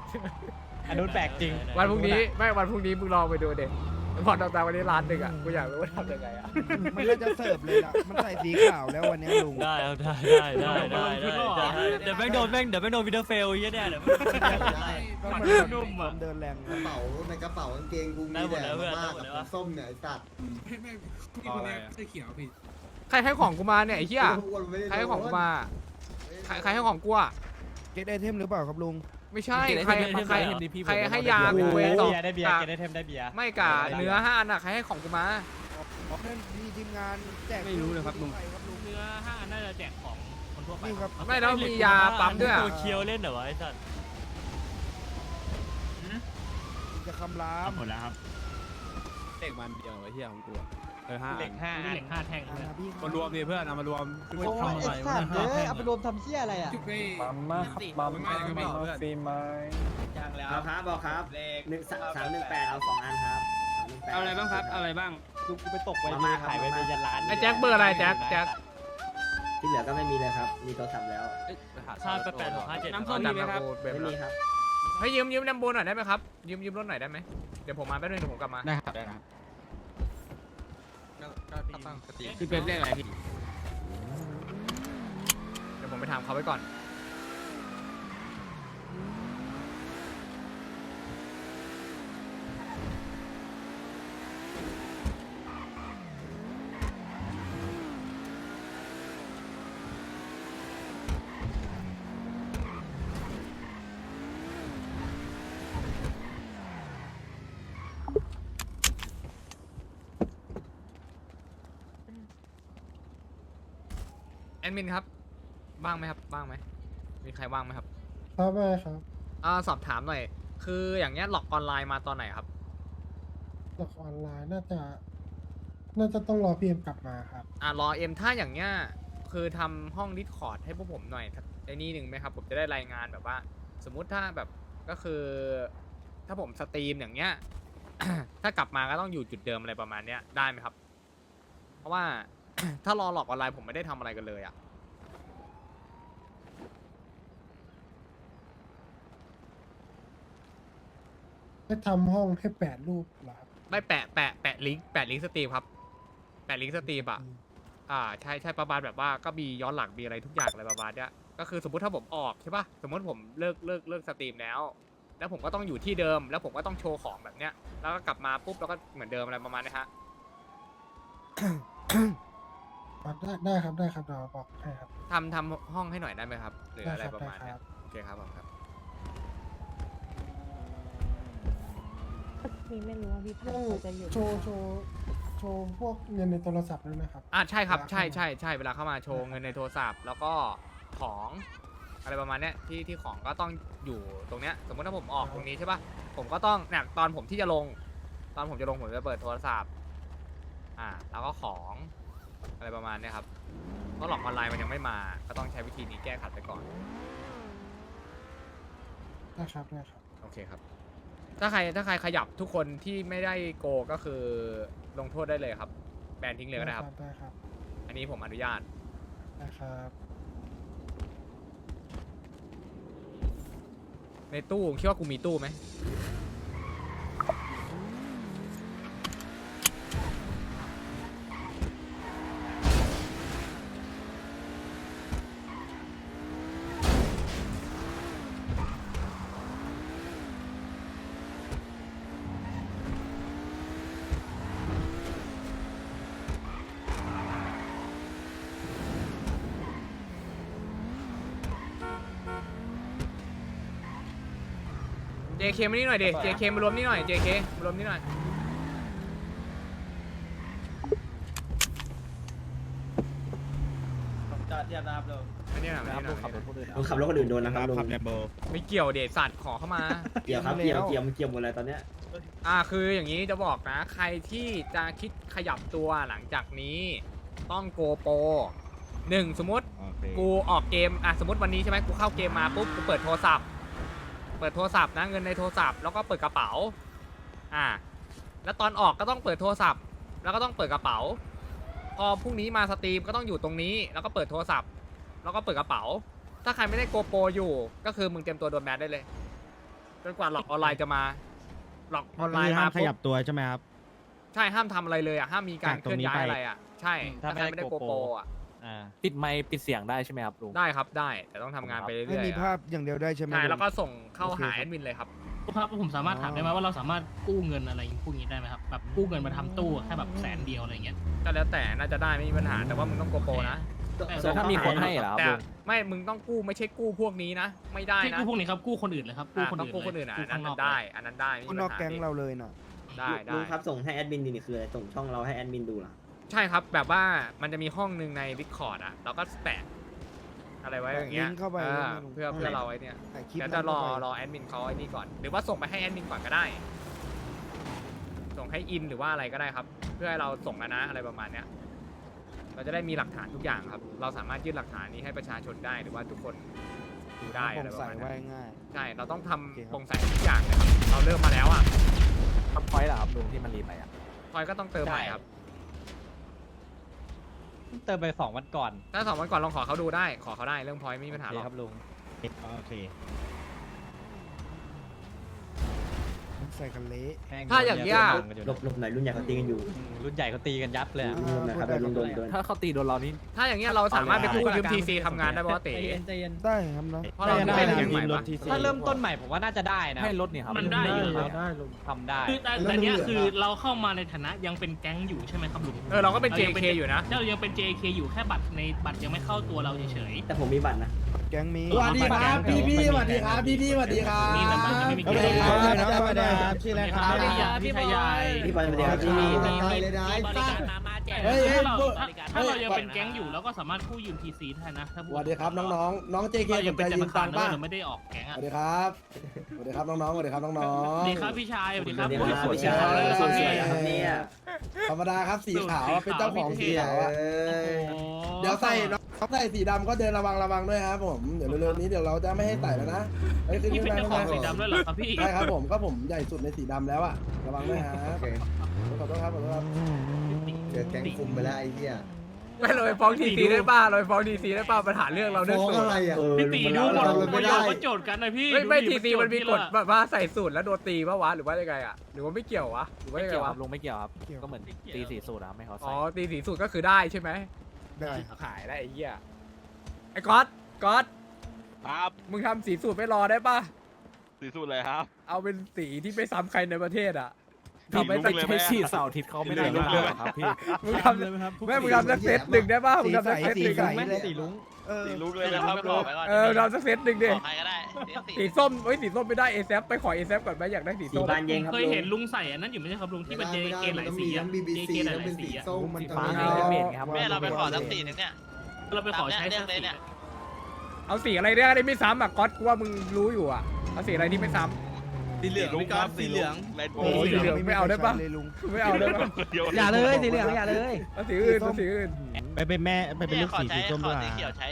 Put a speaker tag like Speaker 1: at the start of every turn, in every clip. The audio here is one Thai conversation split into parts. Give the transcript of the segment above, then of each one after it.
Speaker 1: อันนู้นแปลกจริง
Speaker 2: วันพรุ่งนี้ไม่วันพรุ่งนี้มึงลองไปดูเด็กพอต่างๆวันนี้ร้านหนึ่งอ่ะกูอยากรู้ว่าทำยังไงอ่ะ
Speaker 3: มันก็จะเสิร์ฟเลยล่ะมันใส่สีขาวแล้ววันนี้ลุง
Speaker 4: ได้ครับได้เดี๋ยวแม่งโดนวิดเดอร์เฟลเยอะแน่เดี๋ยว
Speaker 3: มันนุ่มอ่ะเดินแรง
Speaker 5: กระเป๋าในกระเป๋ากางเกงกูมีแต่มาม่ากับน้ำส้มเนี่ยไอ้สัตว์
Speaker 6: ไม่พี่คนนี้เสื้อเขียวพี่
Speaker 2: ใครให้ของกูมาเนี่ยไอ้เหี้ย
Speaker 5: อ้วนไม่ได้
Speaker 2: ใครให้ของกูมาใครให้ของกูอ่ะ
Speaker 3: เก็ตไอเทมหรือเปล่าครับลุง
Speaker 2: ไม่ใช่ใครให้ยากูเว
Speaker 1: ได้
Speaker 2: ต่อ
Speaker 1: เบียร์ได้เบียร์เกได้เทมได้เบียร์
Speaker 2: ไม่กะเนื้อ5 อันอ่ะใครให้ของกูมา
Speaker 3: เพื่อนมีทีมงานแจก
Speaker 7: ไม่รู้เลยครับลุง
Speaker 4: เนื้อ5 อันน่าจะแจกของคนทั่วไป
Speaker 3: นี่ครับ
Speaker 2: ไม่แล้วมียาปั๊มด้วย
Speaker 4: ตัวเคียวเล่นเหรอวะไอ้สัตว์
Speaker 3: จะคำราม
Speaker 7: หมดแล้วครับเด็กมันเดียวไอ้เหี้ยของกู5
Speaker 1: เหล็ก5
Speaker 4: เหล็ก5 แท่ง
Speaker 7: มารวมดิเพื่อนเอามารวม
Speaker 8: โอ้ยไอ้สัตว์เลยเอาไปรวมทำเชี่ยอะไรอ่ะ
Speaker 6: จุดไป
Speaker 1: ปั๊มมาครับปั๊มมาฟีไม้ย่างแล้ว
Speaker 5: เอาครับบอกครับ1 3 1 8เอา2 อันครับ
Speaker 7: เอาอะไรบ้างครับอะไรบ้าง
Speaker 1: ลูกกูไปตกไว้มีขายไว้เป็นยันล้าน
Speaker 2: ไอ้แจ็คเบอร์อะไรแจ็ค
Speaker 5: ที่เหลือก็ไม่มีเลยครับมีโทรศัพท์แล้ว
Speaker 4: ค่า8 6 5 7
Speaker 7: น้ำส้มมีไหมครับ
Speaker 5: ไม่มีครับ
Speaker 2: ให้ยืมแลมโบหน่อยได้ไหมครับยืมรถหน่อยได้ไหมเดี๋ยวผมมาแป๊บนึงเดี๋ยวผมกลับมา
Speaker 7: ได้ครับได้ครับ
Speaker 2: ตั้งสติ
Speaker 7: พี่เป็นเรียกอะไรพี่
Speaker 2: เดี๋ยวผมไปถามเขาไว้ก่อนแอดมินครับว่างไหมครับว่างไหมมีใครว่างไหมครับ
Speaker 9: ครับไม่ครับ
Speaker 2: สอบถามหน่อยคืออย่างเงี้ยหลอกออนไลน์มาตอนไหนครับ
Speaker 9: หลักออนไลน์น่าจะต้องรอพีเอ็มกลับมาครับ
Speaker 2: รอเอ็มถ้าอย่างเงี้ยคือทำห้องดิสคอร์ดให้พวกผมหน่อยไอ้นี่หนึ่งไหมครับผมจะได้รายงานแบบว่า สมมุติถ้าแบบก็คือถ้าผมสตรีมอย่างเงี้ย ถ้ากลับมาก็ต้องอยู่จุดเดิมอะไรประมาณเนี้ยได้ไหมครับ เพราะว่า ถ้ารอหลอกออนไลน์ผมไม่ได้ทำอะไรกันเลยอ่ะ
Speaker 9: ให้ทำห้องให้8 รูปเหรอครับ
Speaker 2: ไม่แปะลิงก์สตรีมครับแปะลิงก์สตรีมอ่ะใช่ประมาณแบบว่าก็มีย้อนหลังมีอะไรทุกอย่างอะไรประมาณเนี้ยก็คือสมมุติถ้าผมออกใช่ป่ะสมมติผมเลิกสตรีมแล้วผมก็ต้องอยู่ที่เดิมแล้วผมก็ต้องโชว์ของแบบเนี้ยแล้วก็กลับมาปุ๊บแล้วก็เหมือนเดิมอะไรประมาณนี้ฮะ
Speaker 9: ได้ครับเดี๋ยวบอกให้ครับ
Speaker 2: ทำห้องให้หน่อยได้ไหมครับหรืออะไรประมาณเนี้ย
Speaker 9: ได้ครับ
Speaker 2: โอเคครับผมครับ
Speaker 10: มีไม่รู้ว่าพี่พันธ์เขาจะอยู่
Speaker 9: โชว์พวกเงินในโทรศัพท์ด้วยนะครับ
Speaker 2: ใช่ครับใช่เวลาเข้ามาโชว์เงินในโทรศัพท์แล้วก็ของอะไรประมาณเนี้ยที่ของก็ต้องอยู่ตรงเนี้ยสมมติถ้าผมออกตรงนี้ใช่ป่ะผมก็ต้องเนี่ยตอนผมที่จะลงผมจะเปิดโทรศัพท์แล้วก็ของอะไรประมาณเนี้ยครับเพราะหลอกออนไลน์มันยังไม่มาก็ต้องใช้วิธีนี้แก้ขัดไปก่อน
Speaker 9: ได้ครับ
Speaker 2: โอเคครับถ้าใครขยับทุกคนที่ไม่ได้โกก็คือลงโทษได้เลยครับแบนทิ้งเลยก็ได้ครับ
Speaker 9: ได้ครับ
Speaker 2: อันนี้ผมอนุญาต
Speaker 9: ได้ครับ
Speaker 2: ในตู้คิดว่ากูมีตู้ไหม JK มานี่หน่อยดิ JK มารวมนี่หน่อย JK มารวมนี่หน่อย
Speaker 1: จอดเทียบนะครับลุง
Speaker 2: อันนี้หน่อย
Speaker 5: ลุงขับรถคนอื่นโดนนะครับลุง
Speaker 2: ไม่เกี่ยวเดชสัตว์ขอเข้ามา
Speaker 5: เกี่ยวครับเกี่ยวหมดเลยตอนเนี้ย
Speaker 2: คืออย่างนี้จะบอกนะ ใครที่จะคิดขยับตัวหลังจากนี้ต้องโกโปร1สมมติกูออกเกมสมมติวันนี้ใช่ไหมกูเข้าเกมมาปุ๊บกูเปิดโทรศัพท์นะเงินในโทรศัพท์แล้วก็เปิดกระเป๋าแล้วตอนออกก็ต้องเปิดโทรศัพท์แล้วก็ต้องเปิดกระเป๋าพอพรุ่งนี้มาสตรีมก็ต้องอยู่ตรงนี้แล้วก็เปิดโทรศัพท์แล้วก็เปิดกระเป๋าถ้าใครไม่ได้โกโปรอยู่ก็คือมึงเตรียมตัวโดนแบนได้เลยจนกว่าหลอกออนไลน์จะมาหลอกออนไลน์มา
Speaker 3: ห้ามข
Speaker 2: ปุ๊
Speaker 3: ยั
Speaker 2: บบ
Speaker 3: ตัวใช่ไหมครับ
Speaker 2: ใช่ห้ามทำอะไรเลยอ่ะห้ามมีการ
Speaker 3: จาก
Speaker 2: เค
Speaker 3: ตรง
Speaker 2: ลื่อน
Speaker 3: นี้
Speaker 2: ย้าย
Speaker 3: ไป
Speaker 2: อะไรอ่ะใช่
Speaker 4: ถ้า
Speaker 2: ถ้าใครไม่ได้
Speaker 4: ไม่ได้
Speaker 2: โก
Speaker 4: GoPro
Speaker 2: โปรอ่ะ
Speaker 4: ปิดไมค์ปิดเสียงได้ใช่ไหมครับลุง
Speaker 2: ได้ครับได้แต่ต้องทำงานไป
Speaker 3: ให้
Speaker 2: เรื่อย
Speaker 3: มี
Speaker 2: ๆ
Speaker 3: ภา
Speaker 2: อะ
Speaker 3: พอย่างเดียวได้ใช่ไหม
Speaker 2: ใช่
Speaker 3: ลุง
Speaker 2: แล้วก็ส่งเข้า
Speaker 3: โอเค
Speaker 2: หา
Speaker 3: ครับ
Speaker 2: แอดมินเลยครับ
Speaker 11: ครับผมสามารถถามได้ไหมว่าเราสามารถกู้เงินอะไรพวกนี้ได้ไหมครับแบบกู้เงินมาทำตู้แค่แบบ100,000เดียวอะไรเงี้ย
Speaker 2: ก็แล้วแต่น่าจะได้ไม่มีปัญหาแต่ว่ามึงต้องโกโปรนะ
Speaker 4: แต่ถ้ามีคนให้เหรอครับ
Speaker 2: แต่
Speaker 4: ลุง
Speaker 2: ไม่มึงต้องกู้ไม่ใช่กู้พวกนี้นะ ไม่ได้
Speaker 11: ที่
Speaker 2: นะ
Speaker 11: กู้พวกนี้ครับกู้คนอื่นเลยครับกู้คน
Speaker 2: ต้อง
Speaker 11: อื่น
Speaker 2: กู้คนอื่น
Speaker 11: เลย
Speaker 2: อ่ะอัน
Speaker 11: กู้
Speaker 2: นั้น
Speaker 11: ข้างนอก
Speaker 2: ได้อันนั้นได้ไม่
Speaker 3: คน
Speaker 2: มี
Speaker 3: นอก
Speaker 2: ปัญหา
Speaker 3: แก๊งเราเลยน่ะ
Speaker 2: ได้
Speaker 5: ลุ
Speaker 2: ได้
Speaker 5: งครับส่งให้แอดมินดีนี่คืออะไรส่งช่องเราให้แอดมินดูเหรอ
Speaker 2: ใช่ครับแบบว่ามันจะมีห้องหนึ่งใน Discord อ่ะเราก็แปะอะไรไว้อย่างเงี้ย
Speaker 3: ลิงก์เข้าไป
Speaker 2: เพื่อเราไว้เนี่ย
Speaker 3: ถ่ายคลิป
Speaker 2: เดี๋ยวจะรอ
Speaker 3: นั้นเข้าไป
Speaker 2: รอแอดมินเขาไอ้นี่ก่อนหรือว่าส่งไปให้แอดมินก่อนก็ได้ ส่งให้อินหรือว่าอะไรก็ได้ครับ เพื่อให้เราส่งแล้วนะอะไรประมาณเนี้ยเราจะได้มีหลักฐานทุกอย่างครับ เราสามารถยื่นหลักฐานนี้ให้ประชาชนได้หรือว่าทุกคนดูได้
Speaker 3: โป
Speaker 2: อะไร
Speaker 3: ร่ง
Speaker 2: ประ
Speaker 3: ใส
Speaker 2: มาณ
Speaker 3: ไว้
Speaker 2: นั้น
Speaker 3: ง่าย
Speaker 2: ใช่เราต้องทำ
Speaker 3: โอเคครับ
Speaker 2: โปร่งใสทุกอย่างเลยครับเราเริ่มมาแล้วอ่ะ
Speaker 4: ทำพอยต์เหรอครับลุงที่มันรีไปอ่ะ
Speaker 2: พลอยก็ต้องเติมใหม่ครับ
Speaker 8: เติมไป2 วันก่อน
Speaker 2: ถ้า2 วันก่อนลองขอเขาดูได้ขอเขาได้เรื่องพลอยไม่มีปัญหาหรอก
Speaker 8: ครับลุง
Speaker 3: โอเคใส่กันเละ
Speaker 2: ถ้าอย่างเงี้ย
Speaker 5: หลบหน่อยรุ่นใหญ่เขาตีกันอยู่
Speaker 8: รุ่นใหญ่เขาตีกันยับเลย
Speaker 5: รุ่นหน่อยครับรุ่นโดน
Speaker 4: ถ้าเขาตีโดนเรานี่
Speaker 2: ถ้าอย่างเงี้ยเราสามารถไปกู้ยืมทีซีทำงานได้ป่ะวะเต๋
Speaker 8: ใจเย็น
Speaker 3: ได้ครับเนาะ
Speaker 2: เพราะเรา
Speaker 8: ได้
Speaker 2: เป็น
Speaker 8: นะ
Speaker 2: แก๊งใหม่ปะ
Speaker 8: ถ้าเริ่มต้นใหม่ผมว่าน่าจะได้นะ
Speaker 4: ให้รถเนี่ยครับ
Speaker 11: มันได้อยู่ครับ
Speaker 8: ทำได้
Speaker 11: คือแต่เนี้ยคือเราเข้ามาในฐานะยังเป็นแก๊งอยู่ใช่ไหมครับลุง
Speaker 2: เราก็เป็น JK อยู่นะ
Speaker 11: เรายังเป็น JK อยู่แค่บัตรในบัตรยังไม่เข้าตัวเราเฉย
Speaker 5: แต่ผมมีบัตรนะ
Speaker 3: แก๊งมี
Speaker 11: สวัสดีครับพี่
Speaker 8: สวัสดีครับพี่สวัสดีครับ
Speaker 11: ๆนี่แต่มันไม่มี
Speaker 3: สวัส
Speaker 11: เก
Speaker 3: ดี
Speaker 11: ม
Speaker 3: ครับ
Speaker 8: สวัสดีครับชื่ออะไรครับ
Speaker 11: พี่ชายา
Speaker 5: พี่บอลมาเดียวพี่ตายเลยได้
Speaker 8: เฮ้ย
Speaker 11: ถ้าเรายังเป็นแก๊งอยู่เราก็สามารถกู้ยืม TC ได้นะถ้า
Speaker 9: สวัสดีครับน้องๆน้องเจเค
Speaker 11: เรา
Speaker 9: ส
Speaker 11: ยัง
Speaker 9: น
Speaker 11: เป็
Speaker 9: ใจ
Speaker 11: นธ
Speaker 9: ยื
Speaker 11: นาม คา
Speaker 9: ตั
Speaker 11: รง
Speaker 9: ค์
Speaker 11: นะ
Speaker 9: ป่ะ
Speaker 11: เราไม่ได้ออกแก๊ง
Speaker 9: ส
Speaker 11: อ่ะ
Speaker 9: วัสดีครับสวัสดีครับน้องๆสวัสดีครับน้อง
Speaker 11: สวัสดีครับพี่ชายสวัสดีครับ
Speaker 5: เดี๋ยว
Speaker 11: โอ้ย
Speaker 5: นะ
Speaker 11: สวย
Speaker 5: พี่
Speaker 11: จั
Speaker 5: ชาง ย
Speaker 11: เลย
Speaker 5: ส
Speaker 11: ครับ
Speaker 5: วย
Speaker 11: พี่
Speaker 5: ครับเนี่ย
Speaker 9: ๆธรรมดาครับสีขาวเป็นเจ้าของสีขาวอะ
Speaker 5: เอ้ย
Speaker 9: เดี๋ยวใส่น้องใส่สีดำก็เดินระวังด้วยครับผมเดี๋ยวเร็วๆนี้เดี๋ยวเราจะไม่ให้ใส่แล้วนะเฮ้ยขึ้น
Speaker 11: นี่
Speaker 9: ขึ้น
Speaker 11: เป็น
Speaker 9: มา
Speaker 11: เจ้าของสีดำด้วยเหรอครับพี่
Speaker 9: ใช่ครับผมก็ผมใหญ่สุดในสีดำแล้วอะระวังด้วยฮะ
Speaker 5: โอเค
Speaker 9: ขอโทษครับขอโทษครับ
Speaker 5: เจอแก๊งคุมไปแล้วไอ้เหี้ย
Speaker 2: ไม่เราไปฟ้องทีซีได้ป่ะเราไปฟ้องทีซีได้ป่ะปัญหาเรื่องเราเรื่อง
Speaker 5: ฟ้อง
Speaker 2: สูต
Speaker 5: อะไร
Speaker 2: ร
Speaker 5: อ่ะ
Speaker 11: พี่ตีดูหมด
Speaker 5: เรา
Speaker 11: ป
Speaker 5: ไม่
Speaker 11: ระโย
Speaker 5: ได้
Speaker 11: ชน์ก็โจทย์กันนะพี่
Speaker 2: ไม่
Speaker 11: ดูดิ
Speaker 2: ทีซีมันมีกฎ
Speaker 11: โจทย์ที่
Speaker 2: แบบว่าใส่สูตรแล้วโดนตีป่ะวะหรือว่ายังไงอ่ะหรือว่าไม่เกี่ยววะหรือว่า
Speaker 4: ไม่
Speaker 2: ยังไง
Speaker 4: เกี่ยวครั
Speaker 2: วะ
Speaker 4: บลุงไม่เกี่ยวครับก็เหมือนตีสี่สูตรครับไม่เขา
Speaker 2: อ๋
Speaker 4: ใส่
Speaker 2: อตีสีสูตรก็คือได้ใช่ไหม
Speaker 3: ได้
Speaker 2: ขายได้ไอ้เหี้ยไอ้ก๊อต
Speaker 7: ครับ
Speaker 2: มึงทำสีสูตรไม่รอได้ป่ะ
Speaker 7: สีสุดเลยครับ
Speaker 2: เอาเป็นสีที่ไม่ซ้ำใครในประเทศอ่ะ
Speaker 7: สี
Speaker 2: ทำให้
Speaker 7: ลุง
Speaker 2: สัก
Speaker 7: เลย
Speaker 4: ใช้สีเสาร์อาทิตย์เขาไม่ได้หรือเปล่าครับพี่
Speaker 2: มึงทำแม่มึงทำสักเซตหนึ่งได้ป่ะมึงทำสักเซตหนึ่ง
Speaker 3: สี
Speaker 2: อะ
Speaker 3: ใส
Speaker 8: สีลุง
Speaker 7: สีลุงเลยนะครับลุง
Speaker 2: ทำสักเซตหนึ่งดิสีส้มสีส้มไม่ได้เอซไปขอเอซก่อนไหมอยากได้สี
Speaker 5: สี
Speaker 2: ส้ม
Speaker 5: บานเย็นครับ
Speaker 11: เคยเห็นลุงใส่อันนั้นอยู่ไม่ใช่ครับลุงที่มัน JK หลายสีอะ
Speaker 5: บีบี
Speaker 11: JK
Speaker 5: ซี
Speaker 11: ห
Speaker 5: แล้ว
Speaker 11: ลา
Speaker 5: เป็น
Speaker 11: ยๆ
Speaker 5: สี
Speaker 11: สีอะ
Speaker 5: ส้ม
Speaker 3: มัน
Speaker 4: ฟ้า
Speaker 3: จะ
Speaker 4: ไงเปลี่ยนครับ
Speaker 5: แม่เราไปขอสักสีนึง
Speaker 11: เราไปขอใช้สักสีอะ
Speaker 2: เอาสีอะไรเนี่ยได้ไม่ซ้ำอ่ะก๊อตกูว่ามึงรู้อยู่อ่ะเอาสีอะไรที่ไม่ซ้ำ
Speaker 7: สีเหลืองครับสีเหลืองแรดโบ
Speaker 2: โอ้ยสีเหลืองไม่เอาได้ปะ
Speaker 3: เลยลุง
Speaker 2: ไม่เอาได้ป่ะ
Speaker 8: อย่าเลยสีเหลืองอย่าเลย
Speaker 2: เอาสีอื่นเอาสีอื่น
Speaker 3: ไปเป็นแม่ไปเป็นลูกสีสีส้มด้วย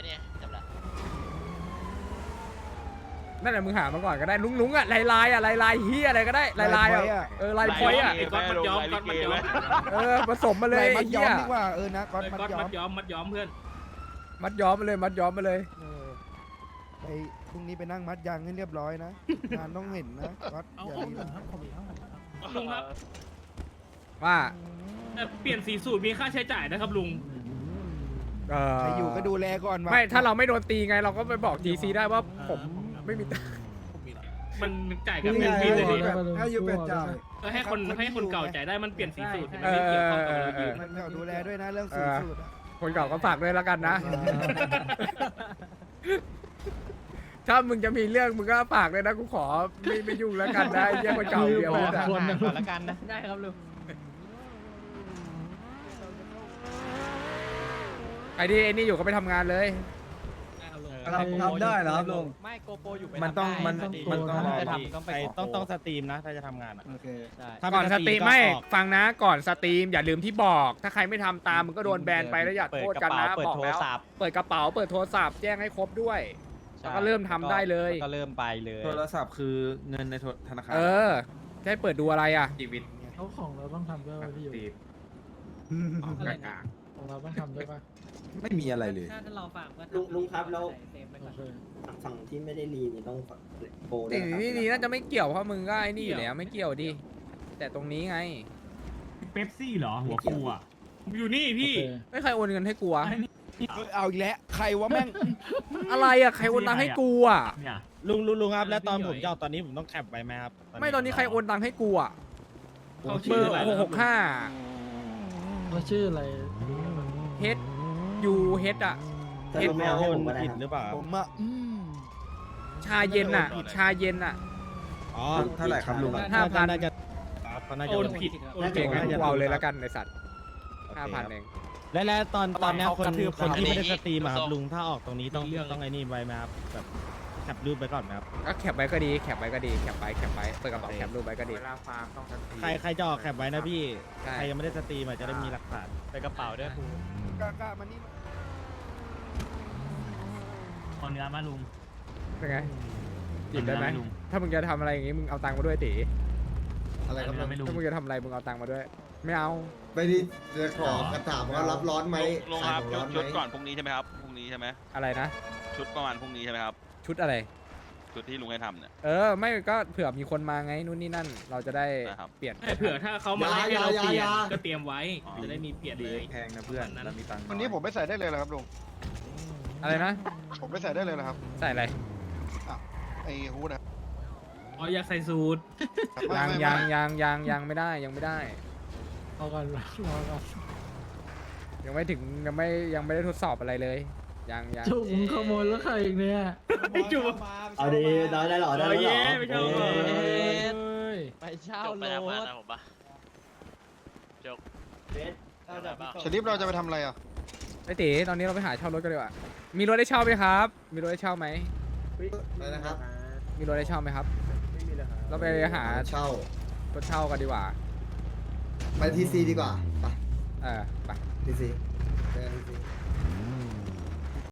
Speaker 2: นั่นแหละมึงหามาก่อนก็ได้ลุงอ่ะลายอ่ะลายเฮียอะไรก็ได้ลายอ่ะลายพอยอ่ะ
Speaker 11: ไอ้ก๊อตมัดย้อมก๊อตมัดย้อม
Speaker 2: ผสมมาเลย
Speaker 3: มั
Speaker 2: ไอ้
Speaker 3: ด
Speaker 2: เฮี
Speaker 3: ย้อย มดีกว่านะก๊อต
Speaker 11: ไอ้
Speaker 3: มัด
Speaker 11: ก๊อต
Speaker 3: ย้อ
Speaker 11: มั
Speaker 3: ม
Speaker 11: ดย้อมมัดย้อมเพื่อน
Speaker 2: มัดย้อมมาเลยมัดย้อมมาเลย
Speaker 3: ไปพรุ่งนี้ไปนั่งมัดยางให้เรียบร้อยนะงานต้องเห็นนะก๊อตอย่าดีนะ
Speaker 11: ลุงครับ
Speaker 2: ว่า
Speaker 11: แต่เปลี่ยนสีสูตรมีค่าใช้จ่ายนะครับลุง
Speaker 3: ใครอยู่ก็ดูแลก่อนวะ
Speaker 2: ไม่ถ้าเราไม่โดนตีไงเราก็ไปบอกทีซีได้ว่าผมไม่มี
Speaker 11: มันจ่ายกันเป็นปีเลยดิ
Speaker 9: ถ้าอยู่เป็ดจ่าย
Speaker 11: ก็ให้คนเก่าจ่ายได้มันเปลี่ยนสีสูตรไม่เกี่ยวข้องกับเราอยู่
Speaker 3: มันก็ดูแลด้วยนะเรื่องสูตรสูตรอะ
Speaker 2: คนเก่าก็ฝากด้วยแล้วกันนะ ถ้ามึงจะมีเรื่องมึงก็ฝากเลยนะกูขอไม่ยุ่งแล้วกันนะไอ้เหี้ยคนเก่าเดียว
Speaker 8: ก่
Speaker 2: นะ
Speaker 8: อนละกันนะได้ครับลุง
Speaker 2: ไอ้ที่ไอ้นี่อยู่ก็ไปทำงานเลย
Speaker 1: ทำได้เหรอครับลุง
Speaker 8: ไม่โกโปอยู่ไป
Speaker 1: มันต้องมันต้อง
Speaker 8: จะทำต้องไป
Speaker 3: ต้องสตรีมนะถ้าจะทำงานอ่ะ
Speaker 1: โอเค
Speaker 2: ก่อนสตรีมไม่ฟังนะก่อนสตรีมอย่าลืมที่บอก ถ้าใครไม่ทำตามมึงก็โดนแบนไปแล้วอย่าโทษกันนะ
Speaker 8: เปิด
Speaker 2: บอก
Speaker 8: โทร
Speaker 2: แล้ว
Speaker 8: ศัพท์
Speaker 2: เปิดกระเป๋าเปิดโทรศัพท์แจ้งให้ครบด้วย แล้วก็เริ่มทำได้เลย
Speaker 8: ก็เริ่มไปเลย
Speaker 1: โทรศัพท์คือเงินในธนาคาร
Speaker 2: จะให้เปิดดูอะไรอ่ะ
Speaker 1: ชีวิต
Speaker 9: เขาของเราต้องทำด้วยพี่อยู่
Speaker 1: ตีบ
Speaker 9: ของเราต้องทำด้วยป่ะ
Speaker 1: ไม่มีอะไรเลย
Speaker 8: ถ้าเราฝากก็
Speaker 5: ลุงครับแล้ว
Speaker 8: เซฟไปก่อน
Speaker 5: ฝั่งที่ไม่ได้รีนี่ต้องโปรด้
Speaker 2: สิ่
Speaker 5: วย
Speaker 2: ง
Speaker 5: นะครับ
Speaker 2: ที่ดีน่าจะไม่เกี่ยวเพราะมึงก็ไอ้นี่อยู่แล้วไม่เกี่ยวดิแต่ตรงนี้ไง
Speaker 11: เป๊ปซี่เหรอหัวฟูอ่ะผมอยู่นี่พี่
Speaker 2: ไม่ใครโอนเงินให้กูอะ
Speaker 3: เอาอีกแล้วใครวะแม่ง
Speaker 2: อะไรอะใครโอนตังค์ให้กูอะ
Speaker 11: เนี่ย
Speaker 4: ลุงครับแล้วตอนผมจะออกตอนนี้ผมต้องแคปไว้ไหมครับ
Speaker 2: ไม่ตอนนี้ใครโอนตังค์ให้กูอะ
Speaker 11: เขา
Speaker 2: เบ
Speaker 11: ชื่
Speaker 2: อ
Speaker 11: อ
Speaker 2: ร์
Speaker 11: อะไร
Speaker 2: 665
Speaker 8: ว่าชื่ออะไร
Speaker 2: H U H อะ
Speaker 5: ถ้าลุงไม่เอาให้ผมก็ได้
Speaker 4: ผิด
Speaker 5: ค
Speaker 4: หรื
Speaker 5: รับ
Speaker 4: อเปล่า
Speaker 3: ผมอะ
Speaker 2: ชาเย็นอะชาเย็นอะ
Speaker 4: อ๋อ
Speaker 1: เท่าไหร่ครับลุง
Speaker 2: 5,000
Speaker 4: น่าจะครับเขาน่าจะ
Speaker 11: โอนผิดโอน
Speaker 2: เก่
Speaker 11: ผิ
Speaker 2: ง
Speaker 11: ด
Speaker 2: งั้นกูเอาเลยแล้วกันในสัตว์
Speaker 4: โอเค
Speaker 2: 5,000 เอง
Speaker 4: แล้วตอนเนี้ยคน
Speaker 1: เขากระทืบ
Speaker 4: คนที่ไม่ได้
Speaker 1: เรา
Speaker 4: สตรีมอะครับลุงถ้าออกตรงนี้ต้องไอ้นี่ไว้ไหมครับแบบแคปรูปไปก่อนไหมครับ
Speaker 2: ก็แคปไว้ก็ดีแคปไว้ก็ดีแคปไปเปิดกระเป๋าแคปรูปไว้ก็ดี
Speaker 4: ใครจะออกแคปไว้นะพี่
Speaker 2: ใช่
Speaker 4: ใครยังไม่ได้สตรีมอะจะได้มีหลักฐาน
Speaker 8: ไปกระเป๋าด้วยครู
Speaker 3: กล้ามานี่
Speaker 11: เอาเนื้อมาลุง
Speaker 2: เป็นไงหยิบได้ไหม
Speaker 11: เอาเนื้อลุง
Speaker 2: ถ้ามึงจะทำอะไรอย่างงี้มึงเอาตังค์มาด้วยตี
Speaker 5: อะไรครับ
Speaker 11: เอาเนื้อไม่ลุง
Speaker 2: ถ้ามึงจะทำอะไรมึงเอาตังค์มาด้วย ไม่เอา
Speaker 5: ไปดิจะขอกระถามว่ารับร้อนไหม
Speaker 12: ลง
Speaker 5: ขา
Speaker 12: ค
Speaker 5: ย
Speaker 12: รับ
Speaker 5: ของร้อนไหม
Speaker 12: ชุดก่อนพรุ่งนี้ใช่ไหมครับพรุ่งนี้ใช่ไหม
Speaker 2: อะไรนะ
Speaker 12: ชุดประมาณพรุ่งนี้ใช่ไหมครับ
Speaker 2: ชุดอะไร
Speaker 12: ชุดที่ลุงให้ทำเนี่ย
Speaker 2: ไม่ก็เผื่อมีคนมาไงนู่นนี่นั่น เราจะได้
Speaker 12: นะครับ
Speaker 2: เปลี่ยน
Speaker 11: เผื่อถ้าเขามาไล่ให้เราเปลี่ยนก็เตรียมไว้ จะได้มีเปลี่ยนเลย
Speaker 1: แพงนะเพื่อนเรามีตังค์
Speaker 9: วันนี้ผมไม่ใส่ได้เลยเหรอครับลุง
Speaker 2: อะไรนะ
Speaker 9: ผมไม่ใส่ได้เลยเหรอครับ
Speaker 2: ใส่อะไร
Speaker 9: ไอ้ฮูดนะ
Speaker 11: อ๋ออยากใส่สูตร
Speaker 2: ยังไม่ได้ยังไม่ได้
Speaker 8: เอากันรอกัน
Speaker 2: ยังไม่ถึงยังไม่ได้ทดสอบอะไรเลยยัง
Speaker 8: จุกมึงขโมยแล้วใครอีกเนี่ย
Speaker 11: จุก
Speaker 5: เอาดีได้หรอได้หรอ
Speaker 11: เย้ไม่ชอบ
Speaker 8: ไปเช่า
Speaker 12: จบ
Speaker 8: ร
Speaker 12: ไปแล้ว
Speaker 8: ถ
Speaker 12: นะผมปะจบ
Speaker 9: สลิปเราจะไปทำอะไรอ่ะ
Speaker 2: ไอ้ตีตอนนี้เราไปหาเช่ารถกันดีกว่ามีรถได้เช่าไหมครับ มีรถได้เช่าไหม
Speaker 5: อะไรนะครับ
Speaker 2: มีรถได้เช่าไหมครับเราไปหา
Speaker 5: เช่าร
Speaker 2: ถเช่ากันดีกว่า
Speaker 5: ไปทีซีดีกว่าไป
Speaker 2: ไป
Speaker 5: ทีซีเจอกันทีซี